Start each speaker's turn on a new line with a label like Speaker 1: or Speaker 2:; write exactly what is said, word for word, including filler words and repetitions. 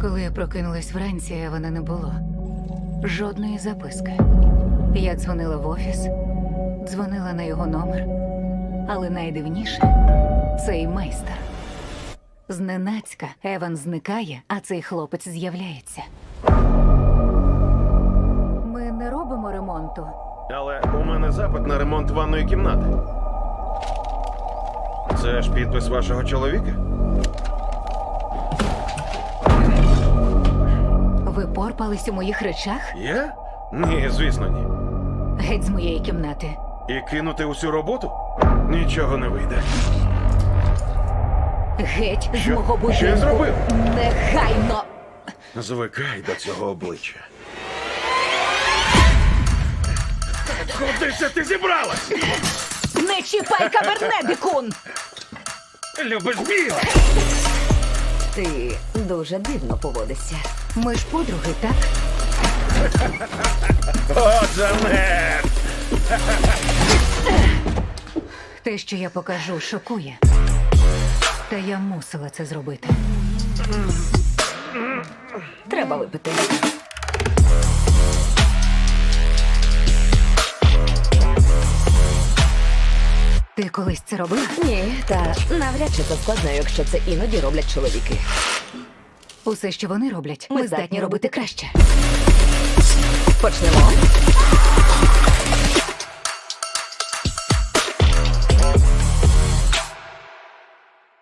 Speaker 1: Коли я прокинулась вранці, Евана не було. Жодної записки. Я дзвонила в офіс, дзвонила на його номер. Але найдивніше – цей майстер. Зненацька Еван зникає, а цей хлопець з'являється. Ми не робимо ремонту.
Speaker 2: Але у мене запит на ремонт ванної кімнати. Це ж підпис вашого чоловіка?
Speaker 1: Ви порпались у моїх речах?
Speaker 2: Я? Ні, звісно, ні.
Speaker 1: Геть з моєї кімнати.
Speaker 2: І кинути усю роботу? Нічого не вийде.
Speaker 1: Геть з
Speaker 2: Що?
Speaker 1: мого будинку.
Speaker 2: Що я зробив?
Speaker 1: Негайно!
Speaker 2: Звикай до цього обличчя. Куди це ти зібралась?
Speaker 1: Не чіпай каберне, дикун!
Speaker 2: Любиш біле?
Speaker 3: Ти дуже дивно поводишся.
Speaker 1: Ми ж подруги, так?
Speaker 2: О, Джанет!
Speaker 1: Те, що я покажу, шокує. Та я мусила це зробити.
Speaker 3: Треба випити.
Speaker 1: Ти колись це робила?
Speaker 3: Ні, та навряд чи це складно, якщо це іноді роблять чоловіки.
Speaker 1: Усе, що вони роблять,
Speaker 3: Ми
Speaker 1: ми здатні робити краще.
Speaker 3: Почнемо.